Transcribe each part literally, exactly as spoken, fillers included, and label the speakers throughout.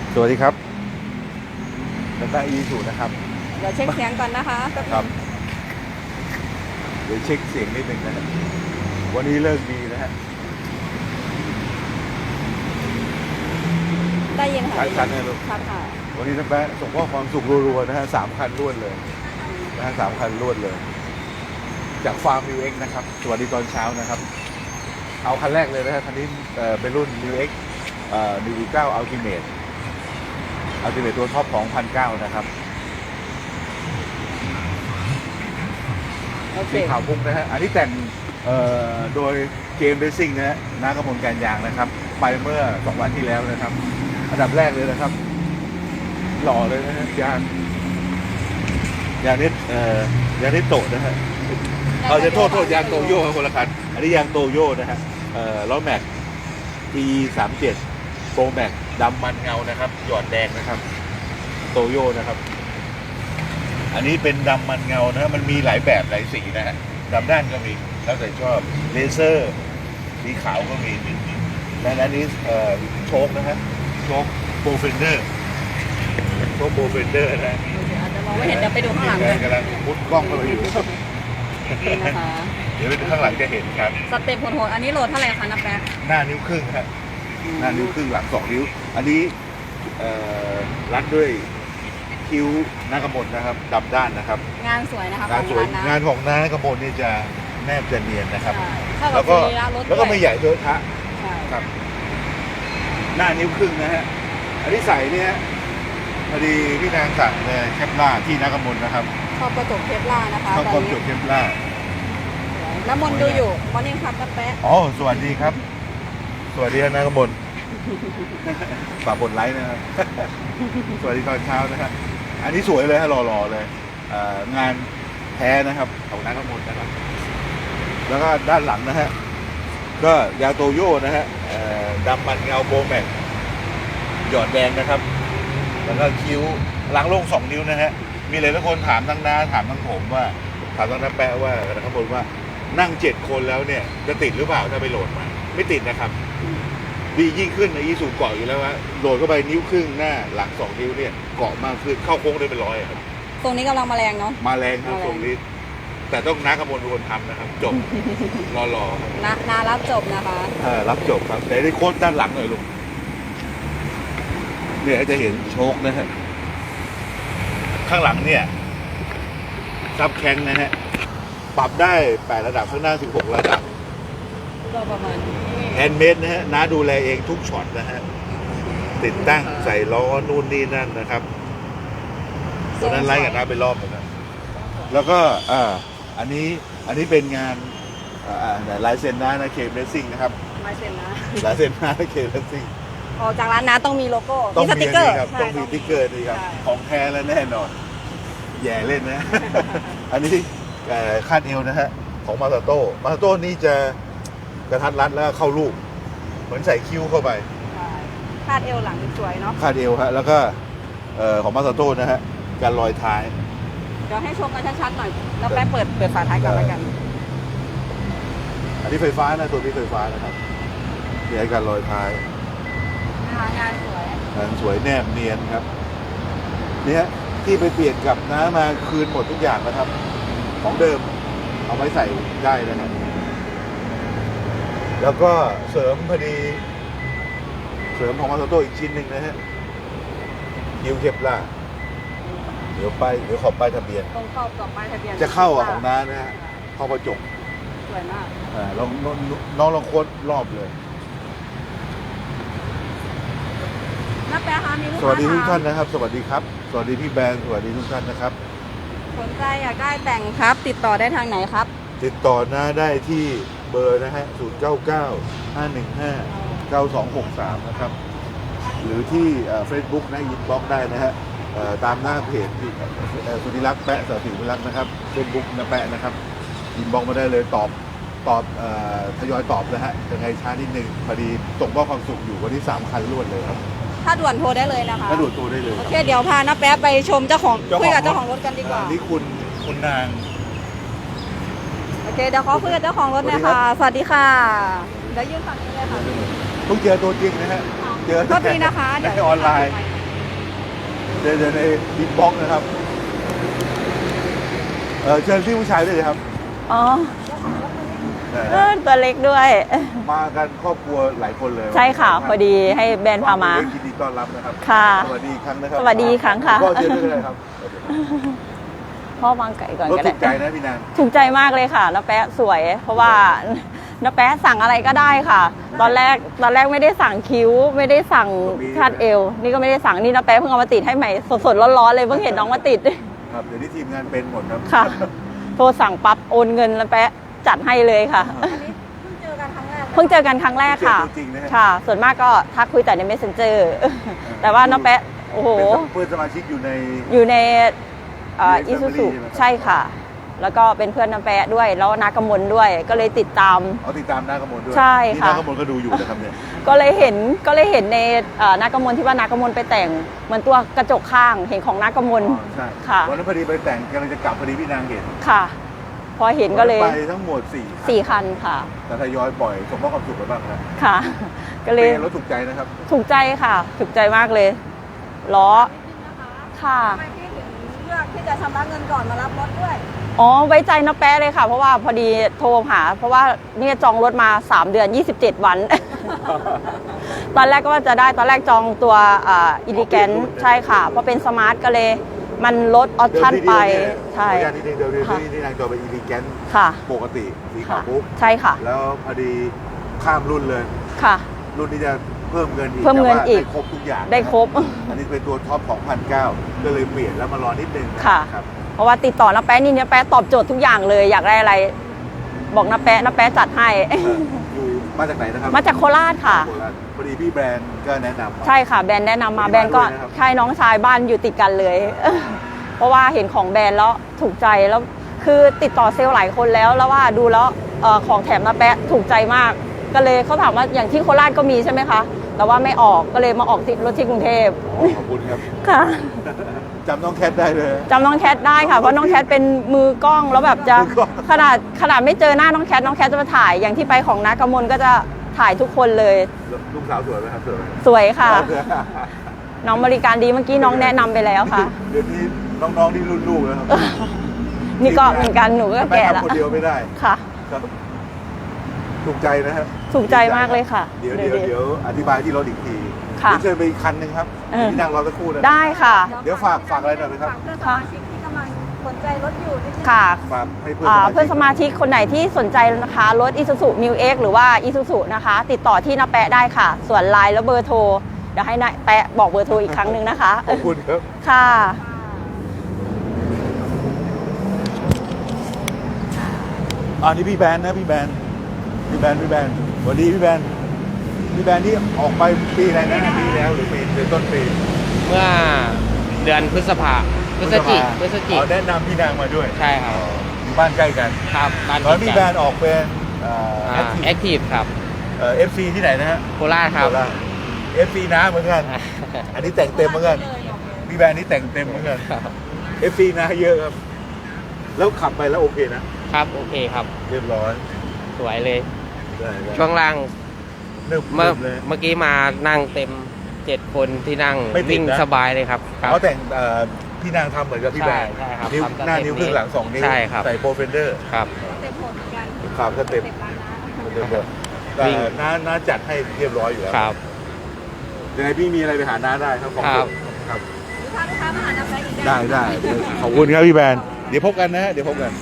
Speaker 1: สวัสดีครับนักอีสูนะครับ
Speaker 2: เดี๋ยวเช็คเสียงก่อนนะคะ
Speaker 1: ครับเดี๋ยวเช็คเสียงนิดหนึ่งนะครับวันนี้เลิกดีนะฮะ
Speaker 2: ได้ยินค่ะ
Speaker 1: ชัดๆนะลูก
Speaker 2: ชัดค่ะ
Speaker 1: วันนี้นักแปะส่งข้อความสุขรัวๆนะฮะสามคันรวดเลยนะฮะสามคันรวดเลย จากฟาร์ม นิว เอ็กซ์ นะครับสวัสดีตอนเช้านะครับเอาคันแรกเลยนะฮะคันนี้เป็นรุ่น นิว เอ็กซ์ เอ่อ นิว เก้า Ultimate Ultimate ตัวท็อปของ หนึ่งพันเก้าร้อย นะครับสีขาวพุ่งนะฮะอันนี้แต่งโดยเกมเรซซิ่งนะฮะน้ากระมวลการยางนะครับไปเมื่อสองวันที่แล้วนะครับอันดับแรกเลยนะครับหล่อเลยนะฮะยางยางนิดเอ่อยางนิดโตนะฮะเราจะโทษโทษยางโตโย่คนละคันอันนี้ยางโตโย่นะฮะเอ่อล้อแม็ก ที สามเจ็ด โปรแม็กดำมันเงานะครับหยอดแดงนะครับโตโย่นะครับอันนี้เป็นดำมันเงานะฮะมันมีหลายแบบหลายสีนะฮะดำด้านก็มีแล้วแต่ชอบเลเซอร์สีขาวก็มีและอันนี้เอ่อโชคนะฮะโชคโปรเฟนเดอร์โชคโปรเฟนเดอร์นะ
Speaker 2: อาจจะมองไม่เห็นเดี๋ยวไปดูข้างหลัง
Speaker 1: กันกำลังมุดกล้องเข้าไปอยู่
Speaker 2: นี่นะคะ
Speaker 1: เดี๋ยวไปดูข้างหลังจะเห็นครับ
Speaker 2: สเต็ปโหดๆอันนี้โหลดเท่าไหร่คะนับแป๊บ
Speaker 1: หน้านิ้วครึ่งครับหน้านิ้วครึ่งหลังสองนิ้วอันนี้รัดด้วยคิ้วน้ากระมลนะครับดำด้านนะครับ
Speaker 2: งานสวยนะคะ
Speaker 1: งานสวยงานของน้ากระมลนี่จะแนบจะเนียนนะครับ
Speaker 2: แล้
Speaker 1: วก็แล้วก็ไม่ใหญ่เทอะทะครับหน้านิ้วครึ่งนะฮะอันนี้ใส่เนี่ยพอดีพี่นางสั่งเลยเคปล่าที่น้ากระมลนะครับ
Speaker 2: ชอบกระจกเคปล่านะคะ
Speaker 1: ชอบกระจกเคปล่า
Speaker 2: น้ำมนต์ดูอยู่มอร์นิ่งครับนับแป๊บ
Speaker 1: อ๋อสวัสดีครับสวัสดีน้ากระมลฝากกดไลค์นะครับสวัสดีตอนเช้านะครับอันนี้สวยเลยฮะหล่อๆเลยงานแท้นะครับของน้ากระมลนะครับแล้วก็ด้านหลังนะฮะก็ยาโตโย่นะฮะดำมันเงาโปรแม็กหยอดแดงนะครับแล้วก็คิ้วล้างโล่งสองนิ้วนะฮะมีหลายคนถามทั้งน้าถามทั้งผมว่าถามทั้งน้าแปะว่านะครับผมว่านั่งเจ็ดคนแล้วเนี่ยจะติดหรือเปล่าถ้าไปโหลดมาไม่ติดนะครับดียิ่งขึ้นในอีสูเกาะอยู่แล้วว่าโหลดเข้าไปนิ้วครึ่งหน้าหลังสองนิ้วเนี่ยเกาะมากขึ้นเข้าโค้งได้เป็นร้อยครับ
Speaker 2: ตรงนี้กำลังมาแรงเนาะ
Speaker 1: มาแรงครับตรงนี้แต่ต้องน้ากระมวลเป็นคนทำนะครับจบรอรอ
Speaker 2: นานารับจบนะคะ
Speaker 1: เออรับจบครับแต่ได้โค้ดด้านหลังหน่อยลูกเนี่ยจะเห็นโชคนะฮะข้างหลังเนี่ยซับแข้งนะฮะปรับได้แปดระดับข้างหน้าสิบหกระดับ
Speaker 2: ก็ประมาณ
Speaker 1: แฮนด์เมดนะฮะน้าดูแลเองทุกช็อตนะฮะติดตั้งใส่ล้อนู่นนี่นั่นนะครับตัวนั้นไล่กับน้าไปรอบนึงนะแล้วก็อ่าอันนี้อันนี้เป็นงานลายเซ็นน้านะเคเรซซิ่งนะครับ
Speaker 2: ลายเซ็นนะ
Speaker 1: ลายเซ็นน้าเคเรซซิ่ง
Speaker 2: ออกจากร้านน้าต้องมีโลโก้
Speaker 1: ต้องมีสติ๊กเกอร์ครับต้องมีสติ๊กเกอร์นี่ครับของแท้และแน่นอนแย่เล่นนะอันนี้คาดเอวนะฮะของมาซาโต้มาซาโต้นี่จะกระทัดรัดแล้วเข้ารูปเหมือนใส่คิ้วเข้าไป
Speaker 2: คาดเอวหลังสวยเนาะ
Speaker 1: คาดเอวฮะแล้วก็ของมาซาโต้นะฮะการลอยท้าย
Speaker 2: เดี๋ยวให้ชมกันชัดๆหน่อยแล้วแป๊บเปิดเปิดฝาท้ายก่อนแล้วกัน
Speaker 1: อันนี้ไฟฟ้านะตัวนี้ไฟฟ้านะครับมีการลอยท้าย
Speaker 2: งานสวย
Speaker 1: งานสวยแนบเนียนครับเนี่ยที่ไปเปลี่ยนกับน้ามาคืนหมดทุกอย่างนะครับของเดิมเอาไว้ใส่ได้นะครับแล้วก็เสริมพอดีเสริมของมาซาโต้อีกชิ้นหนึ่งนะฮะคิวเคปล่าเดี๋ยวไปเดี๋ยวขอบป้ายทะเบียน
Speaker 2: ตรงขอบกับป้ายทะเบียน
Speaker 1: จะเข้าอ่ะของน้านะฮะเข้ากระจก
Speaker 2: สวยมาก
Speaker 1: อ่าลองน้องลองโค้ดรอบเลย
Speaker 2: น้าแป๊ะคะมีลูกค้า
Speaker 1: สวัสดีทุกท่านนะครับสวัสดีครับสวัสดีพี่แบนสวัสดีทุกท่านนะครับ
Speaker 2: สนใจอยากได้แต่งครับติดต่อได้ทางไหนครับ
Speaker 1: ติดต่อน้าได้ที่เบอร์นะฮะศูนย์ เก้า เก้า ห้า หนึ่ง ห้า เก้า สอง หก สามนะครับหรือที่เฟซบุ๊กนะอินบ็อกซ์ได้นะฮะตามหน้าเพจสุนิรักษ์แปะสศิวิรักษ์นะครับเฟซบุ๊กนะแปะนะครับอินบ็อกซ์มาได้เลยตอบตอบทยอยตอบนะฮะยังไงช้านิดนึงพอดีส่งข้อความสุขอยู่วันที่สามคันรวดเลยครับ
Speaker 2: ถ้าด่วนโทรได้เลยนะคะ
Speaker 1: ถ้าด่วนโทรได้เลย
Speaker 2: โอเคเดี๋ยวพาน้าแป๊ะไปชมเจ้าของคุยกับเจ้าของรถกันดีกว่า
Speaker 1: นี่คุณคุณนาง
Speaker 2: โอเคเดี๋ยวขอคุยกับเจ้าของรถหน่อยค่ะสวัสดีค่ะเดี๋ยวยืนฝั่งนี้เลยค่ะ
Speaker 1: ต้องเจอตัวจริงนะฮะ
Speaker 2: เจอก็ดีนะคะ
Speaker 1: เดี๋ยวออนไลน์เดินเดินในอินบ็อกซ์นะครับเออเชิญพี่ผู้ชายด้วยเลยครับ
Speaker 2: อ๋อ
Speaker 1: นะ
Speaker 2: เอ
Speaker 1: ฮะ
Speaker 2: อตัวเล็กด้วย
Speaker 1: มากันครอบครัวหลายคนเลย
Speaker 2: ใช่ค่ะพอดีให้แบรนด์พามา
Speaker 1: ยินดีต้อนรับนะครับ
Speaker 2: ค่ะ
Speaker 1: สวัสดีอีกครั้งนะครับ
Speaker 2: สวัสดีอีกครั้งค่ะ
Speaker 1: พ่อเชิญด้วยเลยครับ
Speaker 2: พ่อวางไก่ก่อน
Speaker 1: รถ
Speaker 2: ก็
Speaker 1: ถู
Speaker 2: ได้
Speaker 1: กใจนะพี่นาง
Speaker 2: ถูกใจมากเลยค่ะน้าแป๊ะสวย เพราะว่าน้าแป๊ะสั่งอะไรก็ได้ค่ะ ตอนแรกตอนแรกไม่ได้สั่งคิ้ว ไม่ได้สั่งคาดเอว นี่ก็ไม่ได้สั่งนี่น้าแป๊ะเพิ่งเอามาติดให้ใหม่สดๆร้อนๆเลยเพิ่งเห็นน้องมาติด
Speaker 1: ครับเดี๋ยวนี้ทีมงานเป็นหมดครับ
Speaker 2: ค่ะ โทรสั่งปั๊บโอนเงินแล้วแป๊ะจัดให้เลยค่ะ
Speaker 3: อันนี้เพิ่งเจอกันครั้งแรก
Speaker 2: เพิ่งเจอกันครั้งแรกค่ะ
Speaker 1: เจอตัวจริงนะฮะ
Speaker 2: ค่ะ ส่วนมากก็ทักคุยแต่ใน messenger แต่ว่าน้องแป๊ะโอ้โห
Speaker 1: เป็นเพื่อนสมาชิกอยู่ใน
Speaker 2: อยู่ในอี
Speaker 1: อยู่
Speaker 2: ซู
Speaker 1: ใน
Speaker 2: ซู
Speaker 1: Family ใช่ไหมครับ
Speaker 2: ใช่ค่ะ แล้วก็เป็นเพื่อนน้ำแปะด้วย แล้วนากำมลด้วย ก็เลยติดตาม
Speaker 1: เอาติดตามนากมลด้วย
Speaker 2: ใช่ค่ะ
Speaker 1: นี่นากมลก็ดูอยู่นะครับเนี่ย
Speaker 2: ก็เลยเห็นก็เลยเห็นในเอ่อนากำมลที่ว่านากำมลไปแต่งเหมือนตัวกระจกข้างเห็นของนากำมล
Speaker 1: อ๋อใช่
Speaker 2: ค่ะ
Speaker 1: วันนั้นพอดีไปแต่งกำลังจะกลับพอดีพี่นางเห็น
Speaker 2: ค่ะ พอเห็นก็เลย
Speaker 1: ไปทั้งหมดสี่
Speaker 2: สี่คันค่ะ
Speaker 1: แต่ทยอยปล่อยสมมอบความสุขไปบ้างนะ
Speaker 2: ค่ะ ก็เลย
Speaker 1: เป็นรถถูกใจนะครับ
Speaker 2: ถูกใจค่ะ ถูกใจมากเลยล้อค่ะ
Speaker 3: ทำไมพี่ถึงเลือกที่จะชำระเงินก่อนมารับรถด้วย
Speaker 2: อ๋อไว้ใจน้าแป๊ะเลยค่ะ เพราะว่าพอดีโทรหา เพราะว่าเนี่ยจองรถมาสามเดือนยี่สิบเจ็ดวัน ตอนแรกก็ว่าจะได้ตอนแรกจองตัวอิลิแกนใช่ค่ะเพราะเป็นสมาร์ทก็เลยมันลดออปชั่นไปใช่
Speaker 1: ขออนุญาตนิดนึงเดี๋ยวเดี๋ยว
Speaker 2: ค่ะ
Speaker 1: ที่ที่นางจอไปอีลิแกน
Speaker 2: ค่ะ
Speaker 1: ปกติสีขา
Speaker 2: ค่ะ
Speaker 1: วปุ๊บ
Speaker 2: ใช่ค่ะ
Speaker 1: แล้วพอดีข้ามรุ่นเลย
Speaker 2: ค่ะ
Speaker 1: รุ่นนี้จะเพิ่มเงินอีก
Speaker 2: เพิ่มเงิน
Speaker 1: แต่ว่า
Speaker 2: อีก
Speaker 1: ได้ครบทุกอย่าง
Speaker 2: ได้ครบ
Speaker 1: อันนี้เป็นตัวท็อปของพันเก้าก็เลยเปลี่ยนแล้วมารอนิดนึง
Speaker 2: ค่ะ
Speaker 1: ครับ
Speaker 2: เพราะว่าติดต่อน้าแป๊ะนี่น้าแป๊ะตอบโจทย์ทุกอย่างเลย อยากได้อะไร บอกน้าแป๊ะน้าแป๊ะจัดให้
Speaker 1: เอ่ออยู่มาจากไหนนะครับ
Speaker 2: มาจากโคราชค่ะ
Speaker 1: โคราชพอดีพี่แบรนด์ก็แนะนำมา
Speaker 2: ใช่ค่ะแบรนด์แนะนำมา
Speaker 1: ที่
Speaker 2: แบรนด์ก็
Speaker 1: บ้านด้วยนะครับ
Speaker 2: ใช่น้องชายบ้านอยู่ติดกันเลย เพราะว่าเห็นของแบรนด์แล้วถูกใจแล้วคือติดต่อเซลล์หลายคนแล้วแล้วว่าดูแล้วเอ่อของแถมน้าแป๊ะถูกใจมาก ก็เลยเขาถามว่าอย่างที่โคราชก็มีใช่ไหมคะแต่ว่าไม่ออกก็เลยมาออกที่รถที่กรุงเทพ
Speaker 1: ขอบคุณครับ
Speaker 2: ค่ะ
Speaker 1: จำน้องแคทได้เลย
Speaker 2: จำน้องแคทได้ค่ะเพราะน้องแคทเป็นมือกล้องแล้วแบบจะ
Speaker 1: มือกล้อง
Speaker 2: ขนาดขนาดไม่เจอหน้าน้องแคทน้องแคทจะมาถ่ายอย่างที่ไปของนักกมลก็จะถ่ายทุกคนเลย
Speaker 1: ลูกสาวสวยไหมครับสวยไหม
Speaker 2: สวยค่ะ น้องบริการดีเมื่อกี้น้องแนะนำไปแล้วค่ะ
Speaker 1: เดี๋ยวนี้น้องๆที่รุ่นลูกแล้วครับ
Speaker 2: นี่ก็เหมือนกันหนูก็แก่
Speaker 1: ม่
Speaker 2: แล้ว
Speaker 1: ทำคนเดียวไม่ได้
Speaker 2: ค่ะ
Speaker 1: ครับถูกใจนะครับ
Speaker 2: ถูกใจมากเลยค่ะ
Speaker 1: เดี๋ยวเดี๋ยวเดี๋ยวอธิบายที่รถอีกที
Speaker 2: ค่ะ
Speaker 1: เดี๋ยวเชิญไปอีกคันหนึ่งครับ
Speaker 2: เออ
Speaker 1: ที่นั่งรอสักครู่นะ
Speaker 2: ได้ค่ะ
Speaker 1: เดี๋ยวฝากฝากอะไรหน่อยไหมครับ
Speaker 3: ฝากเพื่อนสมาชิกที่กำลังสนใจรถอยู่นิดนึง
Speaker 2: ค่ะ
Speaker 1: ฝากให้เพื่อน
Speaker 2: อ่า
Speaker 1: สมาชิก
Speaker 2: เพื่อนสมาชิกคนไหนที่สนใจนะคะรถ Isuzu Mu X หรือว่า Isuzu นะคะ ติดต่อที่น้าแปะได้ค่ะ ส่วนไลน์แล้วเบอร์โทรเดี๋ยวให้น้าแปะบอกเบอร์โทรอีกครั้งหนึ่งนะคะ
Speaker 1: ขอบคุณครับ
Speaker 2: ค่ะ
Speaker 1: อ่านี่พี่แบนนะพี่แบนพี่แบนพี่แบนสวัสดีพี่แบนพี่แบนที่ออกไปปีอะไรนะปีแล้วหรือปีหรือต้นปี
Speaker 4: เมื่อเดือนพฤษภาพฤศจิพฤศจิ
Speaker 1: อ๋อแนะนำพี่นางมาด้วย
Speaker 4: ใช่ครับ
Speaker 1: อยู่บ้านใกล้กัน
Speaker 4: ครับบ้าน
Speaker 1: ตอนนพี่แบนออกเป็นเอ่อ
Speaker 4: แอ
Speaker 1: แอค
Speaker 4: ค
Speaker 1: ทีฟ
Speaker 4: ทีฟครับ
Speaker 1: เอ่อเอฟซีที่ไหนนะฮะ
Speaker 4: โคราชครับ
Speaker 1: เอฟซีนะเหมือนกัน อันนี้แต่งเต็มเหมือนกัน พี่แบรนด์นี่แต่งเต็มเหมือนกัน เอฟซีนะเยอะครับ แล้วขับไปแล้วโอเคนะ
Speaker 4: ครับโอเคครับ
Speaker 1: เรียบร้อย
Speaker 4: สวยเลย
Speaker 1: ได้ได้
Speaker 4: ช่วงล่าง
Speaker 1: เริ่ม
Speaker 4: เมื่อ
Speaker 1: เลย
Speaker 4: เมื่อกี้มานั่งเต็มเจ็ดคนที่นั่ง
Speaker 1: ไม่ติด
Speaker 4: วิ่ง
Speaker 1: นะ
Speaker 4: สบายเลยครับครับ
Speaker 1: เขาแต่งเอ่อพี่นางทำเหมือนกับพี่แบรนด์
Speaker 4: ใช่ใช่ครับ
Speaker 1: นิ้ว
Speaker 4: ทำสเต็ป
Speaker 1: หน้านิ้วครึ่งหลังสองนิ้ว
Speaker 4: ใช่ครับ
Speaker 1: ใส่โปรเฟนเดอร์
Speaker 4: ครับ
Speaker 3: เต็มโหดเหมือนกัน
Speaker 1: ขับสเต็ป
Speaker 3: เต็มร้านนะ
Speaker 1: สเต็ปเลยแต่
Speaker 4: วิ่ง
Speaker 1: น้าน้าจัดให้เรียบร้อยอยู่แล้ว
Speaker 4: ครับ
Speaker 1: ยังไงพี่มีอะไรไปหาน้าได้ครับของ
Speaker 4: ครับ
Speaker 1: ครับ
Speaker 3: หรือถ้าลูกค้ามาหาน้ำใจอีก
Speaker 1: ได้ได้ขอบคุณครับพี่แบรนด์เดี๋ยวพบกันนะฮะเดี๋ยวพบกัน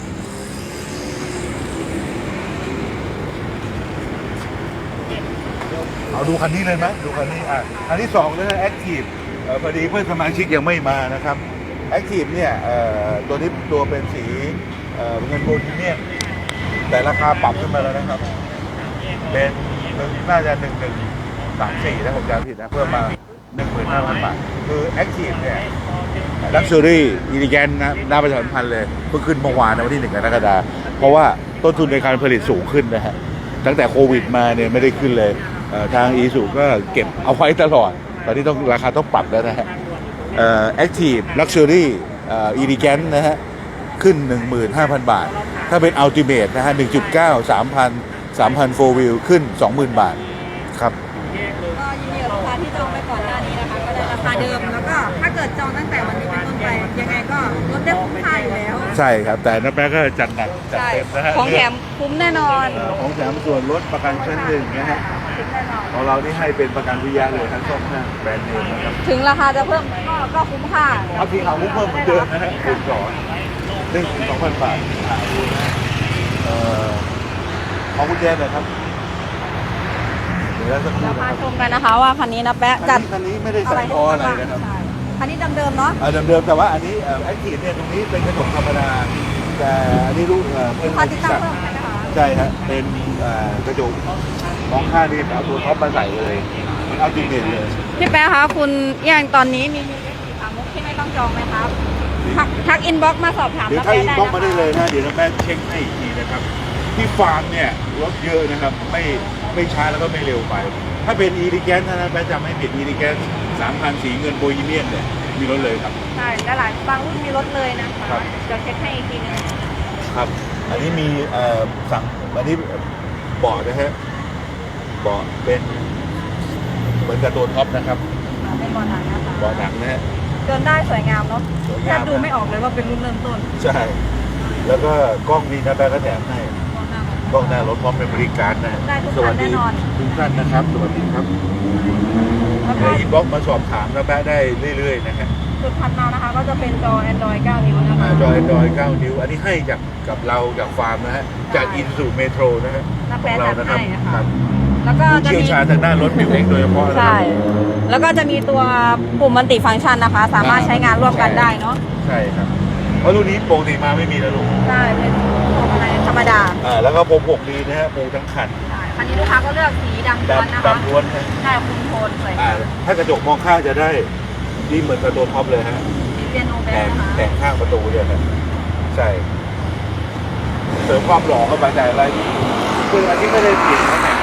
Speaker 1: เอาดูคันนี้เลยไหมดูคันนี้อ่ะคันที่สองเลยแอคทีฟพอดีเพื่อนสมาชิกยังไม่มานะครับแอคทีฟเนี่ยเอ่อตัวนี้ตัวเป็นสีเอ่อเงินโบนีเมียมแต่ราคาปรับขึ้นมาแล้วนะครับ เป็นน่าจะหนึ่งหนึ่งสามสี่ถ้าผมจำไม่ผิดนะเพิ่มมาหนึ่งหมื่นห้าพันบาทคือแอคทีฟเนี่ยลักชัวรี่อิลิแกนนะน่าประชาสัมพันธ์เลยเพิ่งขึ้นเมื่อวานนะวันที่หนึ่งกรกฎาคมเพราะว่าต้นทุนในการผลิตสูงขึ้นนะฮะตั้งแต่โควิดมาเนี่ยไม่ได้ขึ้นเลยเอ่อทางอีซูก็เก็บเอาไว้ตลอด ตอนนี้ต้องราคาต้องปรับแล้วนะฮะแอคทีฟลักชัวรี่อิลิแกนนะฮะขึ้น หนึ่งหมื่นห้าพัน บาท ถ้าเป็นอัลติเมทนะฮะ หนึ่งจุดเก้า สามพัน สามพัน โฟร์ วิวขึ้น สองหมื่น บาทครับ
Speaker 3: ก็ยินดีกับลูกค้าที่จองไปก่อนหน้านี้นะคะ ก็ได้ราราคาเดิมแล้วก็ถ้าเกิดจองตั้งแต่วันนี้เป็นต้นไปยังไงก็ลดได้คุ้มค่าอยู่แล้ว
Speaker 1: ใช่ครับ แต่น้าแป๊ะก็จัดหนักจัด
Speaker 3: ใช่
Speaker 1: เต็มนะฮะ
Speaker 3: ของแถมคุ้มแน่นอน
Speaker 1: เอ่อของแถมส่วนลดประกันชั้นหนึ่งนะฮะ
Speaker 3: คุ้มแน่นอน
Speaker 1: ของเรานี่ให้เป็นประกันวิทยาเลยทั้งสองห้างแบรนด์เนมนะครับ
Speaker 3: ถึงราคาจะเพิ่มก็ก็คุ้มค่า
Speaker 1: เอาทีเอามุกเพิ่มเหมือนเดิมนะฮะคูณสองหนึ่งถึงสองพันบาทอ่าดูนะฮะเอ่อของกุญแจหน่อยครับเดี๋ยวแล้วสักครู่
Speaker 3: เรา
Speaker 1: นะ
Speaker 3: มา
Speaker 1: ครับ
Speaker 3: ชมกันนะคะว่าคันนี้นะแปะ
Speaker 1: คั
Speaker 3: จั
Speaker 1: น
Speaker 3: ด
Speaker 1: นี้คันนี้ไม่ได้ใส่คออะไรนะครับ
Speaker 3: ใช่คันนี้เดิมๆเนาะ
Speaker 1: อ่าเดิมๆแต่ว่าอันนี้แอคทีฟเนี่ยตรงนี้เป็นกระจกธรรมดาแต่อันนี้รู้เอ่อเป็น
Speaker 3: พาติดตั้งเพิ่มไหมนะคะ
Speaker 1: ใช่ฮะเป็นเอ่อกระจกมองข้างนี่เอาตัวท็อปมาใส่เลยเอาจริงเด่นเลย
Speaker 3: พี่แป๊ะคะคุณอย่างตอนนี้มีมีสีขาวมุกที่ไม่ต้องจองไหมครับทักทักอินบ็อกซ์มาสอบถาม
Speaker 1: เดี๋ยว
Speaker 3: นะ
Speaker 1: ถ้า
Speaker 3: แป๊ะ
Speaker 1: อิน
Speaker 3: ได้
Speaker 1: บ็อกซ์
Speaker 3: นะ
Speaker 1: มาได้
Speaker 3: คะ
Speaker 1: เลยนะเดี๋ยวน้าแม่เช็คให้อีกทีนะครับที่ฟาร์มเนี่ยรถเยอะนะครับไม่ไม่ช้าแล้วก็ไม่เร็วไป ถ้าเป็นอีริแกนนะแม่จำไม่ผิดอีริแกนสามพันสีเงินโบยีเมียนเนี่ยมีรถเลยครับ
Speaker 3: ใช่และหลายบางรุ่นมีรถเลยนะคะ
Speaker 1: ครับ
Speaker 3: เดี๋ยวเช็คให้อีกทีนึง
Speaker 1: ครับ อันนี้มีเอ่อสั่งอันนี้เบาะนะฮะเบาะเป็นเหมือนกับตัวท็อปนะครับ
Speaker 3: อ่าเป็นบอลหนังนะคะ
Speaker 1: เบาะหนังนะฮะ
Speaker 3: เดินได้สวยงามเนาะ
Speaker 1: สวย
Speaker 3: แท
Speaker 1: งา
Speaker 3: บ
Speaker 1: ม
Speaker 3: ดูไม่ออกเลยว่าเป็นรุ่นเริ่มต้น
Speaker 1: ใช่ แล้วก็กล้องนี้นะแป๊ะก็แถมให้กล้องหน้ารถพร้อมเป็นบริการนะฮะ
Speaker 3: ได้ทุก
Speaker 1: ส
Speaker 3: คั
Speaker 1: วัน ส
Speaker 3: แน่
Speaker 1: ดี
Speaker 3: นอน
Speaker 1: ทุกท่านนะครับสวัสดีครับ
Speaker 3: แล้วก็
Speaker 1: เดี๋ยวอินบ็อกซ์มาสอบถามนะแป๊ะได้เรื่อยๆนะฮะ
Speaker 3: จุดถัดมานะคะ ก็จะเป็นจอ Android เก้า นิ้วนะคะ
Speaker 1: จอยดอยเก้านิ้ว อันนี้ให้จากกับเราจากฟาร์มนะฮะจากอินซูเมโทรนะฮะ
Speaker 3: น้า
Speaker 1: ขอ
Speaker 3: แป๊ะ
Speaker 1: งเรา
Speaker 3: จัด
Speaker 1: นะครั
Speaker 3: ให้
Speaker 1: บ
Speaker 3: นะคะ
Speaker 1: ครับ
Speaker 3: แล้วก็
Speaker 1: ผู้
Speaker 3: จะ
Speaker 1: เชี่ยว
Speaker 3: มี
Speaker 1: ชาญทางด้านรถบิวเอ็กโดยเฉพาะนะครับ
Speaker 3: ใช่ แล้วก็จะมีตัวปุ่มมัลติฟังก์ชันนะคะ สามารถใช้งานร่วมกันได้เนาะ
Speaker 1: ใช่ครับ เพราะรุ่นนี้ปกติมาไม่มีนะลูก
Speaker 3: ใช่ เป็นพวงมาลัยธรรมดา
Speaker 1: อ่าแล้วก็ผมหกดีนะฮะปูทั้งคัน
Speaker 3: ใช่คันนี้ลูกค้าก็เลือกสีดำล้วนนะ
Speaker 1: ดำ
Speaker 3: คะ
Speaker 1: ดำล้วนฮะ
Speaker 3: ได้คุมโทนสวย
Speaker 1: อ่าถ้ากระจกมองข้างจะได้ดีเหมือนกับตัวท็อปเลยฮะ
Speaker 3: มีเปียโนแบ
Speaker 1: แต่
Speaker 3: นนะคะ
Speaker 1: แต่งข้างประตูเนี่ยนะใช่ เสริมความหล่อเข้าไปแต่อะไรคืออันนี้ไม่ได้เปลี่ยนนะแต่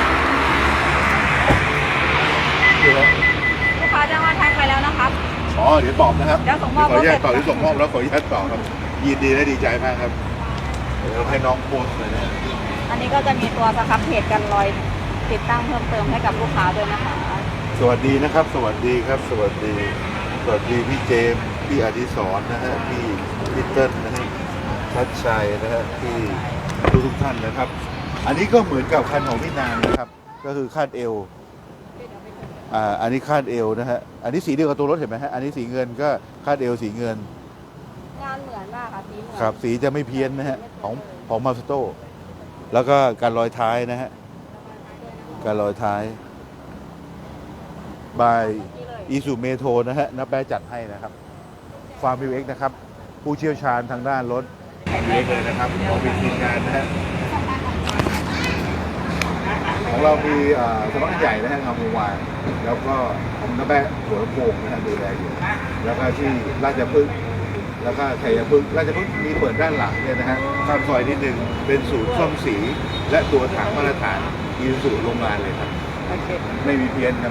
Speaker 1: คือแล้ว
Speaker 3: ลูกค้าจะมาแท็กไปแล้วนะครับ
Speaker 1: อ๋อเดี๋ยวตอบนะครับ
Speaker 3: เดี๋ยวส่งมอบ
Speaker 1: ขออนุญาต
Speaker 3: รถเสร็จ
Speaker 1: ตอบที่ส่งมอบแล้วขออนุญาตตอบครับ ยินดีและดีใจมากครับเดี๋ยวให้น้องโพสต์เลยนะ
Speaker 3: อันนี้ก็จะมีตัวสครับเพจกันรอยติดตั้งเพิ่มเติมให้กับลูกค้าด้วยนะคะ
Speaker 1: สวัสดีนะครับ สวัสดีครับ สวัสดี สวัสดีพี่เจมส์พี่อดิศรนะฮะพี่พี่เติ้ลนะฮะชัดชัยนะฮะพี่ทุกทุกๆท่านนะครับ อันนี้ก็เหมือนกับคันของพี่นางนะครับ ก็คือคาดเอวอ่าอันนี้คาดเอวนะฮะอันนี้สีเดียวกับตัวรถเห็นไหมฮะอันนี้สีเงินก็คาดเอวสีเงิน
Speaker 3: งานเหมือนมากค่ะสีเหมือน
Speaker 1: ครับสีจะไม่เพี้ยนนะฮะของของมาสโตแล้วก็การลอยท้ายนะฮะการลอยท้ายบายอีซูเมโทนะฮะนับแปะจัดให้นะครับฟาร์มวิวเอ็กนะครับ ผู้เชี่ยวชาญทางด้านรถเล็กเลยนะครับของเป็นทีมงานนะฮะของเรามีเอ่อสำนักงานใหญ่นะฮะงามวงวานแล้วก็ผมนับแปะหัวลำโพงนะฮะดูแลอยู่แล้วก็ที่ราชพฤกษ์แล้วก็ชัยพฤกษ์ราชพฤกษ์มีเปิดด้านหลังเนี่ยนะฮะข้ามซอยนิดนึงเป็นศูนย์ซ่อมสีและตัวถังมาตรฐานอีซูโรงงานเลยครับ
Speaker 3: โอเค
Speaker 1: ไม่มีเพี้ยนครับ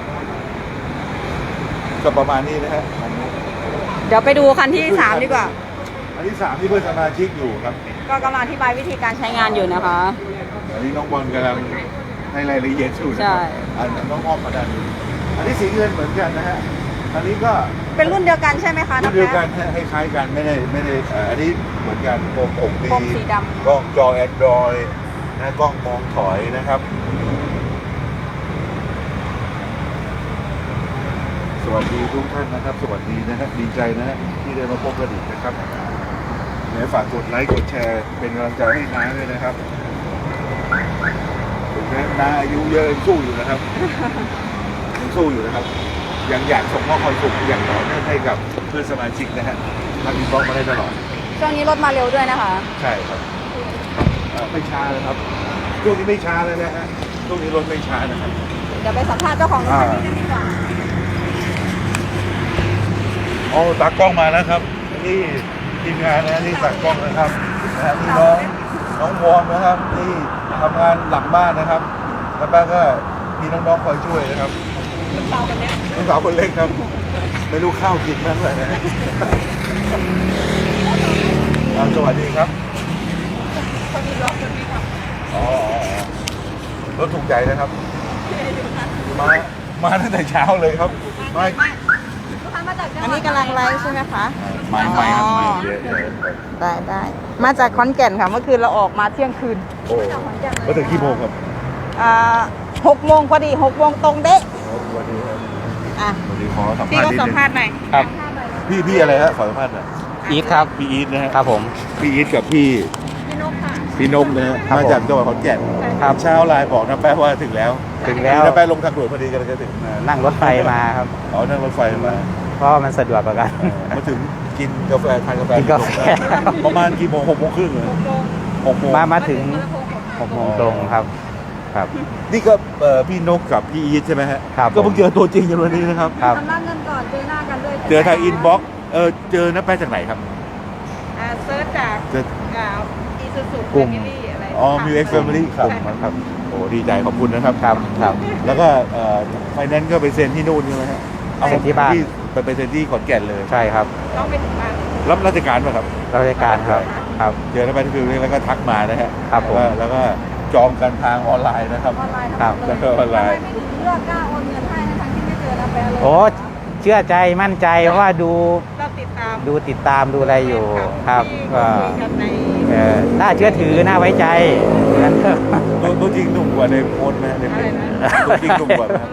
Speaker 1: ก็ประมาณนี้นะฮะอันนี้
Speaker 3: เดี๋ยวไปดูคันที่สามดีกว่า
Speaker 1: อันที่สามที่เพื่อนสมาชิกอยู่ครับ
Speaker 3: ก็กำลังอธิบายวิธีการใช้งานอยู่นะคะ
Speaker 1: อันนี้น้องบอลกำลังให้รายละเอียดอยู่นะ
Speaker 3: ใช่
Speaker 1: ครับอันน้องอ้อมมาด้านนี้อันนี้สีเงินเหมือนกันนะฮะอันนี้ก็
Speaker 3: เป็นรุ่นเดียวกันใช่ไหมคะ
Speaker 1: รุ่นเดียวกันฮะให้คล้ายกันไม่ได้ไม่ได้เอ่ออันนี้เหมือนกันโคมอกดี
Speaker 3: โคมสีดำ
Speaker 1: กล้องจอแอนดรอยนะกล้องมองถอยนะครับ สวัสดีทุกท่านนะครับ สวัสดีนะฮะดีใจนะฮะที่ได้มาพบกันอีกนะครับไหนฝากกดไลค์กดแชร์เป็นกำลังใจให้น้าด้วยนะครับถึงแม้น้าอายุเยอะยังสู้อยู่นะครับยังสู้อยู่นะครับ ยังอยากส่งมอบความสุขอย่างต่อเนื่องให้กับเพื่อนสมาชิกนะฮะทำอินบ็อกซ์มาได้ตลอด
Speaker 3: ช่วงนี้รถมาเร็วด้วยนะคะ
Speaker 1: ใช่ครับเอ่อไม่ช้าเลยครับช่วงนี้ไม่ช้าเลยนะฮะช่วงนี้รถไม่ช้านะครับ
Speaker 3: เดี๋ยวไปสัมภาษณ์เจ้าของรถคันนี้กันดีกว่า
Speaker 1: เอาตากล้องมาแล้วครับนี่ทีมงานนะนี่ตากล้องนะครับนะฮะนี่น้องน้องวอร์มนะครับนี่ทำงานหลังบ้านนะครับ แล้วป้าก็มีน้องๆคอยช่วยนะครับ
Speaker 3: ลูกสาวคนเนี้ย
Speaker 1: ลูกสาวคนเล็กครับไม่รู้ข้าวกินบ้างเลยนะอ่าสวัสดีครับ
Speaker 3: คนนี้รถคนนี้ค่ะ
Speaker 1: อ๋ออ๋ออ๋อรถถูกใจนะครับ มา มาตั้งแต่เช้าเลยครับ มา
Speaker 3: มาจากจังหวัด
Speaker 5: อันนี้กำลังไลฟ์ใช่ไหมคะ
Speaker 1: ไม่ไม่ครับไม่
Speaker 5: อ๋อ
Speaker 1: เยอะเยอะ
Speaker 5: ได้ได้มาจากขอนแก่นค่ะ เมื่อคืนเราออกมาเที่ยงคืน
Speaker 1: โอ้มาถึงกี่โมงครับ
Speaker 5: อ่าหกโมงพอดีหกโมงตรงเด๊ะ
Speaker 1: วันนี้ครับ
Speaker 5: อ่ะ
Speaker 1: วันนี้ขอสัม
Speaker 5: พี่
Speaker 1: ภาษ
Speaker 5: ก็
Speaker 1: ณ์นิด
Speaker 5: สัม
Speaker 1: นึง
Speaker 5: ภาษณ์หน่อย
Speaker 4: ครับ
Speaker 1: พี่พี่อะไรฮะขอสัมภาษณ์หน่อย
Speaker 4: อีทครับ
Speaker 1: พี่อีทนะฮะ
Speaker 4: ครับผม
Speaker 1: พี่อีทกับพี่
Speaker 3: พี่นกค่ะ
Speaker 1: พี่นกนะฮะ
Speaker 4: ครับ
Speaker 1: มาจากจังหวัดขอนแก่น
Speaker 4: ครับ
Speaker 1: เช้าไลน์บอกนะแป๊ะว่าถึงแล้ว
Speaker 4: ถึงแล้ว
Speaker 1: นะแป๊ะลงทางด่วนพอดีกันเลยจะถึงนะ
Speaker 4: นั่งรถไฟมาครับ
Speaker 1: อ๋อนั่งรถไฟมา
Speaker 4: เพราะมันสะดวกกว่ากัน
Speaker 1: เออมาถึงกินกาแฟทานกาแฟ
Speaker 4: กินกาแฟ
Speaker 1: ประมาณกี่โมงหกโมงครึ่งเลยหกโมง
Speaker 4: มามาถึงหกโมงตรงครับ ครับ
Speaker 1: นี่ก็เอ่อพี่นกกับพี่อีทใช่ไหมฮะ
Speaker 4: ครับ
Speaker 1: ก็เพิ่งเจอตัวจริงกันวันนี้นะครับ
Speaker 4: ครับ
Speaker 3: ชำระเงินก่อนเจอหน้ากันด้วย
Speaker 1: เจอทางอินบ็อกซ์เออเจอน้าแป๊ะจากไหนครับ
Speaker 5: อ่าเซิร์ชจาก
Speaker 1: เจอ
Speaker 5: อ่าอีซูซู
Speaker 4: กลุ่ม
Speaker 5: อะไร
Speaker 1: อ๋อมิวเอ็กซ์แฟมิลี่ครับ
Speaker 5: ใช่ค่ะ
Speaker 1: ครับโอ้ดีใจขอบคุณนะครับ
Speaker 4: ครับครับ
Speaker 1: แล้วก็ไฟแนนซ์ก็ไปเซ็นที่นู่นใช่ไหมฮะ
Speaker 4: เซ็นที่บ้าน
Speaker 1: ไปไปเซ็นที่ขอนแก่นเลย
Speaker 4: ใช่ครับ
Speaker 5: ต้องไปถึงบ้าน
Speaker 1: รับราชการป่ะครับ
Speaker 4: ราชการครับ ครับ
Speaker 1: เจอแล้วไปที่ฟิวแล้วก็ทักมานะฮะ
Speaker 4: ครับผม
Speaker 1: แล้วก็แล้วก็จองกันทางออนไลน์นะครับ
Speaker 3: ออนไลน์
Speaker 4: ครับ
Speaker 3: ทั้งหมดเลย
Speaker 1: ออนไลน์
Speaker 3: ทำไมไม่ถึงเลือกกล้าโอนเงินให้ทั้งที่ไม่เจอนะแปลเลย
Speaker 4: โอ้เชื่อใจมั่นใจเพราะว่าดู
Speaker 5: เราติดตาม
Speaker 4: ดูติดตามดูอะไรอยู่ครับ
Speaker 5: ที่
Speaker 4: ก็
Speaker 5: คุยกันใน
Speaker 4: เอ่อน่าเชื่อถือน่าไว้ใจ
Speaker 1: ตัวตัวจริงหนุ่มกว่าในโพสต์ไหมในเพจตัวจริงหนุ่มกว่าไหม
Speaker 5: รอ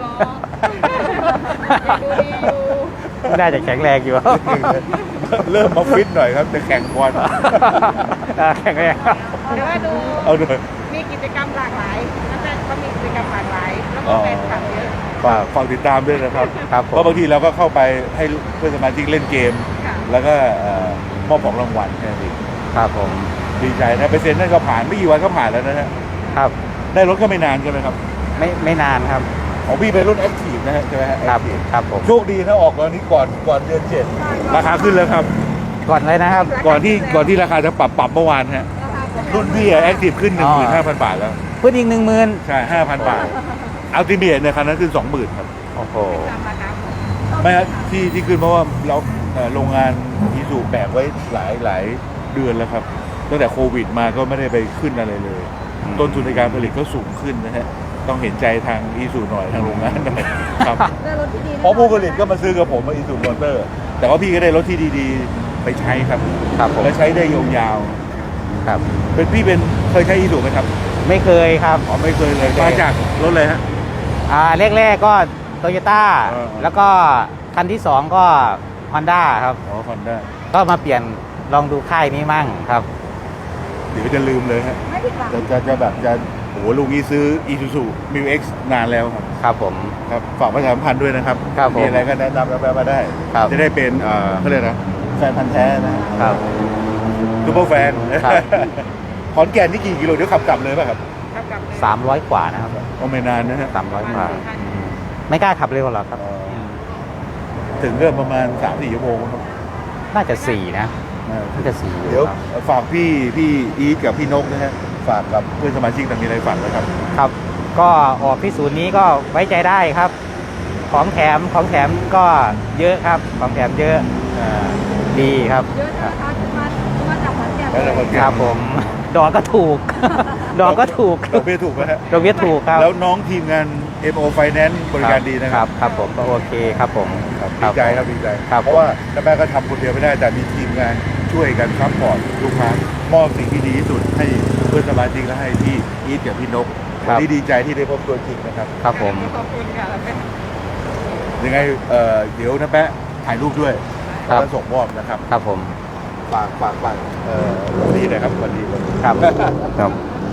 Speaker 5: ดูดีอยู่
Speaker 4: น่าจะแข็งแรงอยู่
Speaker 1: เริ่มมาฟิตหน่อยครับจะแข่งบอล
Speaker 4: อ่าแข็งแรง
Speaker 5: แต่ว่าดู
Speaker 1: เอาหน่อย
Speaker 5: มีกิจกรรมหลากหลายนักแสดงก็มีกิจกรรมหลากหลาย แล้วก็แฟนคลับเยอะ
Speaker 1: ฝากฝากติดตามด้วยนะครับ
Speaker 4: ครับผ
Speaker 1: เพราะ
Speaker 4: ม
Speaker 1: บางทีเราก็เข้าไปให้เพื่อนสมาชิกเล่นเกม
Speaker 5: ค่ะ
Speaker 1: แล้วก็เอ่อมอบของรางวัลแค่นี้นเอง
Speaker 4: ครับผม
Speaker 1: ดีใจนะไปเซ็นนั่นก็ผ่านไม่กี่วันก็ผ่านแล้วนะฮะ
Speaker 4: ครับ
Speaker 1: ได้รถก็ไม่นานใช่ไหมครับ
Speaker 4: ไม่ไม่นานครับ
Speaker 1: ของพี่เป็นรุ่นแอคทีฟนะฮะใช่ไหมฮะ
Speaker 4: ครับ
Speaker 1: Active
Speaker 4: ครับผม
Speaker 1: โชคดีนะออกตอนนี้ก่อนก่อนเดือนเจ็ดราคาขึ้นแล้วครับ
Speaker 4: ก่อนเลยนะครับ
Speaker 1: ก่อนที่ก่อนที่ราคาจะปรับปรับเมื่อวานฮะรุ่นพี่แอคทีฟขึ้นหนึ่งหมื่นห้าพันบาทแล้ว
Speaker 4: พูดอีกหนึ่งหมื่น
Speaker 1: ใช่ห้าพันบาทอัลติเมทในยคันนั้นขึ้นสองหมื่นครับ
Speaker 4: โอ้โห
Speaker 1: ไม่ฮะที่ที่ขึ้นเพราะว่าเราเอ่อโรงงานอีซูแบกไว้หลายหลายเดือนแล้วครับตั้งแต่โควิดมาก็ไม่ได้ไปขึ้นอะไรเลย
Speaker 4: อืม
Speaker 1: ต้นทุนในการผลิตก็สูงขึ้นนะฮะต้องเห็นใจทางอีซูหน่อยทางโรงงานหน่อยครับ
Speaker 3: ได้รถที่ดีแน่นอน
Speaker 1: เพราะผู้ผลิตก็มาซื้อกับผมมาอีซูมอเตอร์ แต่ว่าพี่ก็ได้รถที่ดีๆ ไปใช้ครับ
Speaker 4: ครับผม
Speaker 1: และใช้ได้ยาว
Speaker 4: ครับ
Speaker 1: ๆเป็นพี่เป็นเคยใช้อีซูไหมครับ
Speaker 4: ไม่เคยครับ
Speaker 1: อ๋อไม่เคยเลย
Speaker 4: ไม่เคย
Speaker 1: มาจากรถเลยฮะ
Speaker 4: อ่าแรกๆก็โตโยต้า
Speaker 1: เออ
Speaker 4: แล้วก็คันที่สองก็ฮอนด้าครับ
Speaker 1: อ๋อคอนด้า
Speaker 4: ก็มาเปลี่ยนลองดูค่ายนี้มั่งครับ
Speaker 1: เดี๋ยวจะลืมเลยฮะ
Speaker 3: ไม่ผิดหวัง
Speaker 1: จะจะจะแบบจะโอ้โหลูกนี้ซื้ออีซูซูมิวเอ็กซ์นานแล้วครับ
Speaker 4: ครับผม
Speaker 1: ครับฝากประชาสัมพันธ์ด้วยนะครับ
Speaker 4: ครับผม
Speaker 1: มีอะไรก็แนะนำกันมาได้
Speaker 4: ครับ
Speaker 1: จะได้เป็นเอ่อเขาเรียกนะแฟนพันธ์แท้นะครับ ซูเปอร์แฟน
Speaker 4: ครับ
Speaker 1: ขอนแก่นนี่กี่กิโลเดี๋ยวขับกลับเลยป่ะครับ
Speaker 5: ครับกับ
Speaker 4: สามร้อยกว่านะครับ
Speaker 1: ก็ไม่นานนะฮะ
Speaker 4: สามร้อยกว่า ไม่กล้าขับเร็วหรอกครับ
Speaker 1: อ๋อ ถึงเรื่องประมาณสามสี่ชั่วโมงครับ
Speaker 4: น่าจะสี่นะ
Speaker 1: อ่า
Speaker 4: น่าจะสี่อยู่
Speaker 1: เดี๋ยว
Speaker 4: ครับ
Speaker 1: ฝากพี่พี่อีทกับพี่นกนะฮะฝากกับเพื่อนสมาชิกต่างมีอะไรฝากนะครับ
Speaker 4: ครับ ก็ออกที่ศูนย์นี้ก็ไว้ใจได้ครับ ของแถมของแถมก็เยอะครับ ของแถมเยอะอ่าดีครับ
Speaker 3: เยอะนะคะคือมาคือมาจากขอนแก่น
Speaker 1: แล้วเราก็
Speaker 4: ครับผม ดอกก็ถูก ดอกก็ถูก
Speaker 1: ดอกเบี้ยถูกไหมฮะ
Speaker 4: ดอกเบี้ยถูกครับ
Speaker 1: แล้วน้องทีมงาน เอ็ม โอ Finance บริการดีนะ
Speaker 4: ค
Speaker 1: ค
Speaker 4: รั
Speaker 1: รั
Speaker 4: บบ ครับผมก็โอเคครับผม
Speaker 1: ครับดีใจครับดีใจ
Speaker 4: ครับ
Speaker 1: เพราะว่าน้าแม่ก็ทำคนเดียวไม่ได้แต่มีทีมงานช่วยกันซัพพอร์ตลูกค้ามอบสิ่งที่ดีที่สุดให้เพื่อนสมาชิกและให้พี่อีทกับพี่นกวันนี้ดีใจที่ได้พบตัวจริงนะครับ
Speaker 4: ครับผม
Speaker 5: ขอบคุณค่ะแล้วเป็น
Speaker 1: ยังไงเอ่อเดี๋ยวน้าแป๊ะถ่ายรูปด้วย
Speaker 4: ครับ
Speaker 1: แล้วส่งมอบนะครับ
Speaker 4: ครับผม
Speaker 1: ฝากฝากฝากเอ่อวันนี้นะครับวันนี้วันนี้
Speaker 4: ครับ ครับ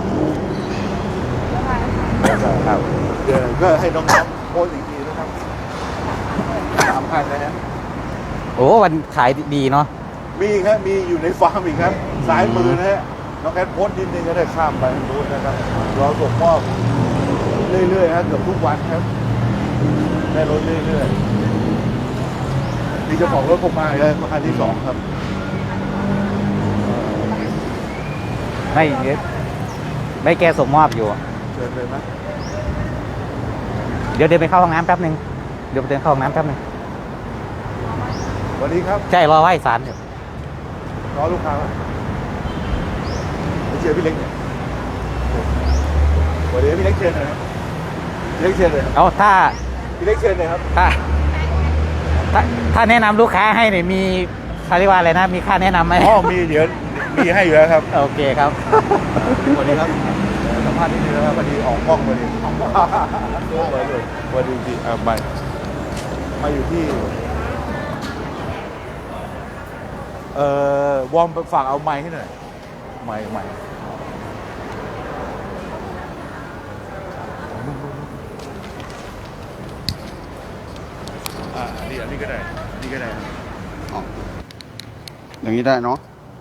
Speaker 1: ครับเดี๋ยวก็ให้น้องๆโพสต์อีกทีนะครับสามพันนะฮะ
Speaker 4: โอ้วันขายดีเนาะ
Speaker 1: มีอีกครับมีอยู่ในฟาร์มอีกครับซ้ายมือนะฮะน้องแอดโพสต์นิดนึงก็ได้ข้ามไปทางนู้นนะครับรอส่งมอบเรื่อยๆครับเกือบทุกวันครับได้รถเรื่อยๆนี่เจ้าของรถผมมาอีกแล้วคันที่สองครับ
Speaker 4: ไม่เยอะไม่แกส่งมอบอยู่
Speaker 1: เชิญเลยนะ
Speaker 4: เดี๋ยวเดินไปเข้าห้องน้ำแป๊บนึง เดี๋ยวไปเดินเข้าห้องน้ำแป๊บนึง
Speaker 1: สวัสดีครับ
Speaker 4: ใช่รอไหว้ศาลอยู่
Speaker 1: รอลูกค้าก่อนไปเชียร์พี่เล็กเนี่ยสวัสดีพี่เล็กเชิญหน่อยครับพี่เล็กเชิญเลยครับ
Speaker 4: เอาถ้า
Speaker 1: พี่เล็กเชิญเลยครับ
Speaker 4: ถ้าถ้าถ้าแนะนำลูกค้าให้เนี่ยมีเขาเรียกว่าอะไรนะ มีค่าแนะนำไหม
Speaker 1: อ๋อมีเดี๋ยวมีให้อยู่แล้วครับ
Speaker 4: โอเคครับ
Speaker 1: สวัสดีครับสัมภาษณ์นิดนึงนะครับพอดีออกกล้องพอดีออกกล้องเลยเลยพอดีที่อ่ามามาอยู่ที่เอ่อวอร์มฝากเอาไมค์ให้หน่อยไมค์ไมค์อ่าอันนี้อันนี้ก็ได้อันนี้ก็ได้
Speaker 6: อย่างนี้ได้เนาะ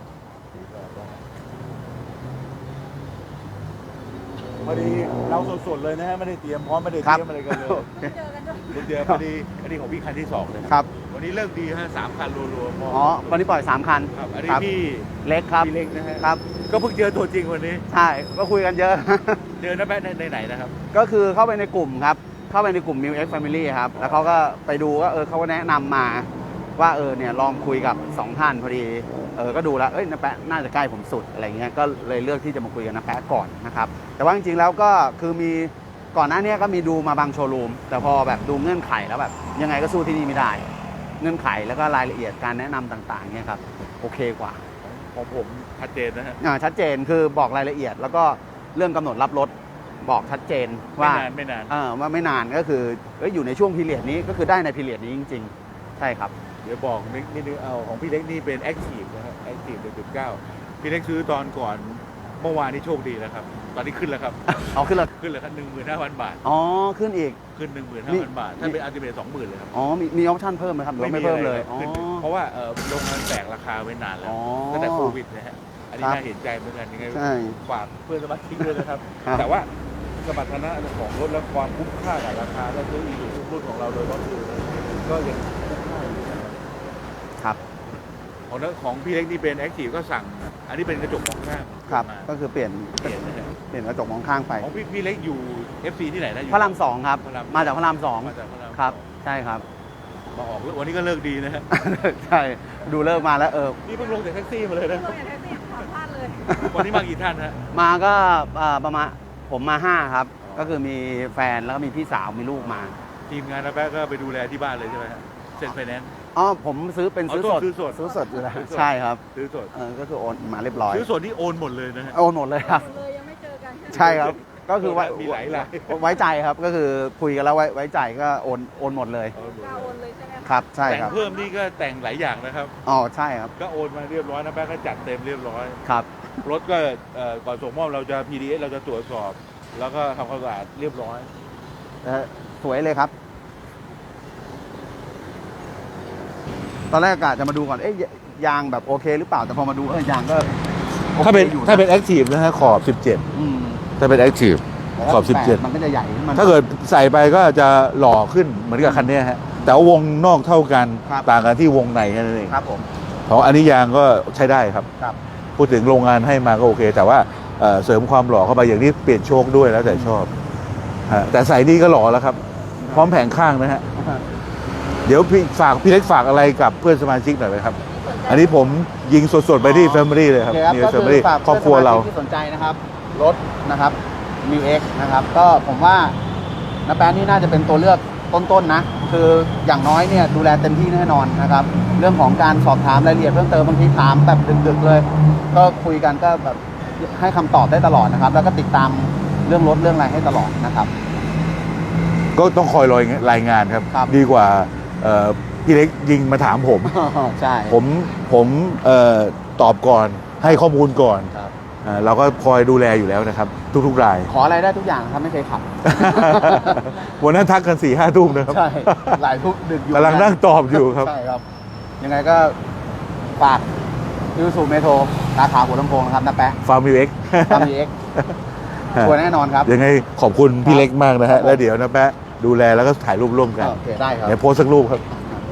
Speaker 1: พอดีเราสดๆเลยนะฮะไม่ได้เตรียมพร้อมไม่ได้เตรียมอะไรกันเลยเดี๋ยวพอดีอันนี้ของพี่คันที่สองเลย
Speaker 6: ครับ
Speaker 1: วันนี้เลิกดีฮะสามคันรัวๆม
Speaker 6: อ๋อ วันนี้ปล่อยสามคัน
Speaker 1: ครับอันนี้
Speaker 6: ครับ
Speaker 1: พี่
Speaker 6: เล็กครับ
Speaker 1: พี่เล็กนะฮะ
Speaker 6: ครับ
Speaker 1: ก็เพิ่งเจอตัวจริงวันนี้
Speaker 6: ใช่ ก็คุยกันเยอะ
Speaker 1: เจอน้าแป๊ะในในไหนนะครับ
Speaker 6: ก็คือเข้าไปในกลุ่มครับ เข้าไปในกลุ่ม Milk X Family ครับ แล้วเขาก็ไปดูว่าเออเขาก็แนะนำมาว่าเออเนี่ยลองคุยกับสองท่านพอดี เออ ก็ดูแล้ว เอ้ยน้าแปะน่าจะใกล้ผมสุดอะไรเงี้ย ก็เลยเลือกที่จะมาคุยกับน้าแปะก่อนนะครับ แต่ว่าจริงๆแล้วก็คือมีก่อนหน้านี้ก็มีดูมาบางโชว์รูม แต่พอแบบดูเงื่อนไขแล้วแบบยังไงก็สู้ที่นี่ไม่ได้ เงื่อนไขแล้วก็รายละเอียดการแนะนำต่างๆเนี่ยครับโอเคกว่า
Speaker 1: ของผมชัดเจนนะฮะ
Speaker 6: อ่าชัดเจนคือบอกรายละเอียด แล้วก็เรื่องกำหนดรับรถบอกชัดเจน
Speaker 1: ไม่
Speaker 6: ว่า
Speaker 1: นานไม่นาน
Speaker 6: เออว่าไม่นานก็คือเอ้ยอยู่ในช่วงพีเรียดนี้ก็คือได้ในพีเรียดนี้จริง ๆ ใช่ครับ
Speaker 1: เดี๋ยวบอกนิดนิดนึงเอาของพี่เล็กนี่เป็นแอคทีฟนะครับแอคทีฟหนึ่งจุดเก้าพี่เล็กซื้อตอนก่อนเมื่อวานนี้โชคดีแล้วครับ ตอนนี้ขึ้นแล้วครับ
Speaker 6: เอาขึ้นเลย
Speaker 1: ขึ้นเลยครับหนึ่งหมื่นห้าพันบาท
Speaker 6: อ๋อขึ้นอีก
Speaker 1: ขึ้นหนึ่งหมื่นห้าพันบาท ถ้าเป็นอัลติเมทสองหมื่นเลยครับ
Speaker 6: อ๋อมีมีออปชั่นเพิ่มไหมครับหรือว่าไม่เพิ่มเลย
Speaker 1: อะร
Speaker 6: อ๋อ
Speaker 1: ขึ้นเพราะว่าเอ่อโรงงานแตกราคาไว้นานแล้ว
Speaker 6: อ๋อ
Speaker 1: ตั้งแต่โควิดนะฮะอันนี้
Speaker 6: ครับ
Speaker 1: น่าเห็นใจเหมือนกันยังไง
Speaker 6: ใช่
Speaker 1: ฝากเพื่อนสมาชิกด้วยนะครับ
Speaker 6: ครับ
Speaker 1: แต่ว่าสมรรถนะของรถและความคุ้มค่ากับราคาและซื้ออีกรุ่นของเราโดยก็คือก็ยังคุ้มค่าอยู่นะครับ
Speaker 6: ครับ
Speaker 1: ของนั้นของพี่เล็กนี่เป็นแอคทีฟก็สั่ง อันนี้เป็นกระจกมองข้าง
Speaker 6: ครับ
Speaker 1: มา
Speaker 6: ก็คือเปลี่ยน
Speaker 1: เปลี่ยนนะฮะ
Speaker 6: เปลี่ยนกระจกมองข้างไป
Speaker 1: ของพี่พี่เล็กอยู่ เอฟ ซี ที่ไหนนะอยู่
Speaker 6: พระรามสองครับ
Speaker 1: พระราม
Speaker 6: มาจากพระรามสอง
Speaker 1: มาจากพระราม
Speaker 6: ครับ ใช่ครับ
Speaker 1: มาออกแล้ววันนี้ก็เลิกดีนะฮะ
Speaker 6: ใช่ดูเลิกมาแล้วเออ
Speaker 1: นี่เพิ่งลงจากแท็กซี่มาเลยนะ
Speaker 5: ตัวอย่างแท็กซี่ขอพลาดเลย
Speaker 1: วันนี้มากี่ท่านฮะ
Speaker 6: มาก็เอ่อประมาณผมมาห้าครับ ก็คือมีแฟนแล้วก็มีพี่สาวมีลูกมา
Speaker 1: ทีมงานนะแป๊ะก็ไปดูแลที่บ้านเลยใช่ไหมฮะเซ็นไฟแนนซ์
Speaker 6: อ๋อผมซื้อเป็น
Speaker 1: อ๋อ
Speaker 6: ซื้อสด
Speaker 1: ซื้อสด
Speaker 6: ซื้อสดอยู่แล้ว
Speaker 1: ซื้อสด
Speaker 6: ใช่ครับ
Speaker 1: ซื้อสด
Speaker 6: เออก็คือโอนมาเรียบร้อย
Speaker 1: ซื้อสดนี่โอนหมดเลยนะฮะ
Speaker 6: โอนหมดเลยครับ
Speaker 5: เลยยังไม่เจอกัน
Speaker 6: ใช่ครับ ก็คือไว้
Speaker 1: มีหลายราย
Speaker 6: ไว้ใจครับ ก็คือคุยกันแล้วไว้ไว้ใจก็โอนโอนหมดเลย
Speaker 1: โอนหมด
Speaker 5: กล้า
Speaker 1: เล
Speaker 5: โอย นเลยใช่ไหมคะ
Speaker 6: ครับ ใช่
Speaker 1: แต่ง
Speaker 6: ครับ
Speaker 1: เพิ่มนี่ก็แต่งหลายอย่างนะครับ
Speaker 6: อ๋อใช่ครับ
Speaker 1: ก็โอนมาเรียบร้อยนะแป๊ะก็จัดเต็มเรียบร้อย
Speaker 6: ครับ
Speaker 1: รถก็เอ่อก่อนส่งมอบเราจะ พี ดี เอส เราจะตรวจสอบ แล้วก็ทำความสะอาดเรียบร้อย
Speaker 6: เออสวยเลยครับ ตอนแรกกะจะมาดูก่อน เอ๊ะยางแบบโอเคหรือเปล่า แต่พอมาดูเออยางก็โอค
Speaker 1: ถ้าเป็น
Speaker 6: อยู่ะ
Speaker 1: ถ้าเป็นแอคทีฟนะฮะขอบสิบเจ็ด
Speaker 6: อืม
Speaker 1: ถ้าเป็นแอคทีฟ
Speaker 6: แต่ถ้า
Speaker 1: ขอบสิบเจ็ด
Speaker 6: แปมันก็จะใหญ่ขึ้นมัน
Speaker 1: ถ้าเกิดใส่ไปก็จะหล่อขึ้นเหมือนกับคันเนี้ยฮะแต่ว่าวงนอกเท่ากัน
Speaker 6: ครับ
Speaker 1: ต่างกันที่วงในแค่นั้นเอง
Speaker 6: ครับผม
Speaker 1: ของอันนี้ยางก็ใช้ได้ครับ
Speaker 6: ครับ
Speaker 1: พูดถึงโรงงานให้มาก็โอเค แต่ว่าเอ่อเสริมความหล่อเข้าไปอย่างนี้เปลี่ยนโชคด้วยแล้วแต่ชอบฮะแต่ใส่นี่ก็หล่อแล้วครับ พร้อมแผงข้างนะฮะเดี๋ยวพี่ฝากพี่เล็กฝากอะไรกับเพื่อนสมาชิกหน่อยไหมครับ อันนี้ผมยิงสดๆไปที่ Family เลยครับ
Speaker 6: โอเคครับ
Speaker 1: นี่
Speaker 6: ก็
Speaker 1: แฟ
Speaker 6: คือ
Speaker 1: มิลี่
Speaker 6: ฝาก
Speaker 1: ครอบครัวเรา
Speaker 6: พื่อนสมชิกที่สนใจนะครับ รถนะครับ มิว เอ็กซ์ นะครับ ก็ผมว่าน้าแป๊ะนี่น่าจะเป็นตัวเลือกต้นๆนะ คืออย่างน้อยเนี่ยดูแลเต็มที่แน่นอนนะครับ เรื่องของการสอบถามรายละเอียดเพิ่มเติมบางทีถามแบบดึกๆเลย ก็คุยกันก็แบบให้คำตอบได้ตลอดนะครับ แล้วก็ติดตามเรื่องรถเรื่องอะไรให้ตลอดนะครับ
Speaker 1: ก็ต้องคอยรอยรายงานครับ
Speaker 6: ครับ
Speaker 1: ดีกว่าเอ่อพี่เล็กยิงมาถามผม
Speaker 6: ใช่
Speaker 1: ผมผมเอ่อตอบก่อนให้ข้อมูลก่อน
Speaker 6: ครับ
Speaker 1: อ่าเราก็คอยดูแลอยู่แล้วนะครับ ทุกๆราย
Speaker 6: ขออะไรได้ทุกอย่างครับไม่เคยขับ
Speaker 1: วันนั้นทักกันสี่ห้าทุ่มนะครับ
Speaker 6: ใช่ หลายทุกดึกอยู่
Speaker 1: กำลังนั่งตอบอยู่ครับ
Speaker 6: ใช่ครับ ยังไงก็ฝากยูสูเมโทรสาขาหัวลำโพงนะครับนะแปะ
Speaker 1: ฟาร์มมิวเอ็ก
Speaker 6: ทำเอ็กชัวร์แน่นอนครับ
Speaker 1: ยังไงขอบคุณพี่เล็กมากนะ
Speaker 6: ครั
Speaker 1: ฮะ
Speaker 6: บผม
Speaker 1: แล้วเดี๋ยวนะแปะดูแลแล้วก็ถ่ายรูปร่วมกัน
Speaker 6: โอเคได้ครับ
Speaker 1: เดี๋ยวโพสต์สักรูปครับ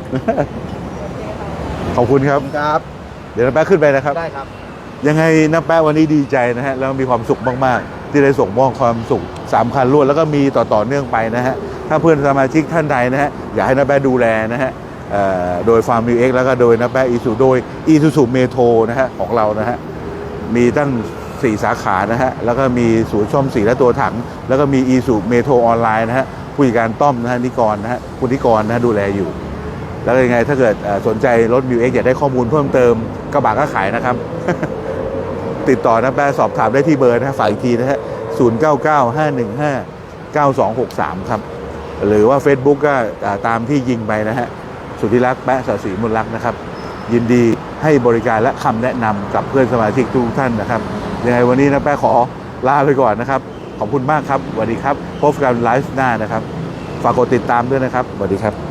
Speaker 1: ขอบคุณครับ
Speaker 6: ครับ
Speaker 1: เดี๋ยวนะแปะขึ้นไปนะครับ
Speaker 6: ได้ครับ
Speaker 1: ยังไงนะแป๊ะวันนี้ดีใจนะฮะแล้วมีความสุขมากๆ ที่ได้ส่งมอบความสุขสามคันรวดแล้วก็มีต่อต่อเนื่องไปนะฮะถ้าเพื่อนสมาชิกท่านใดนะฮะอยากให้นะแป๊ะดูแลนะฮะเอ่อโดยฟาร์มมิวเอ็กแล้วก็โดยนะแป๊ะอีซูโดยอีซูซูเมโทรนะฮะของเรานะฮะมีตั้งสี่สาขานะฮะแล้วก็มีศูนย์ซ่อมสีและตัวถัง แล้วก็มีอีซูเมโทรออนไลน์นะฮะผู้จัดการต้อมนะฮะนิกรนะฮะคุณนิกรนะฮะดูแลอยู่แล้วยังไงถ้าเกิดเอ่อสนใจรถ มิว เอ็กซ์ อยากได้ข้อมูลเพิ่มเติมกระบะก็ขายนะครับ ติดต่อนะแปะสอบถามได้ที่เบอร์นะฮะฝากอีกทีนะฮะศูนย์ เก้า เก้า ห้า หนึ่ง ห้า เก้า สอง หก สามครับหรือว่า Facebook ก็อ่าตามที่ยิงไปนะฮะสุทธิรักษ์แปะสศิมนลักษณ์นะครับยินดีให้บริการและคำแนะนำกับเพื่อนสมาชิกทุกท่านนะครับยังไงวันนี้นะแปะขอลาไปก่อนนะครับขอบคุณมากครับสวัสดีครับพบกันไลฟ์หน้านะครับฝากกดติดตามด้วยนะครับสวัสดีครับ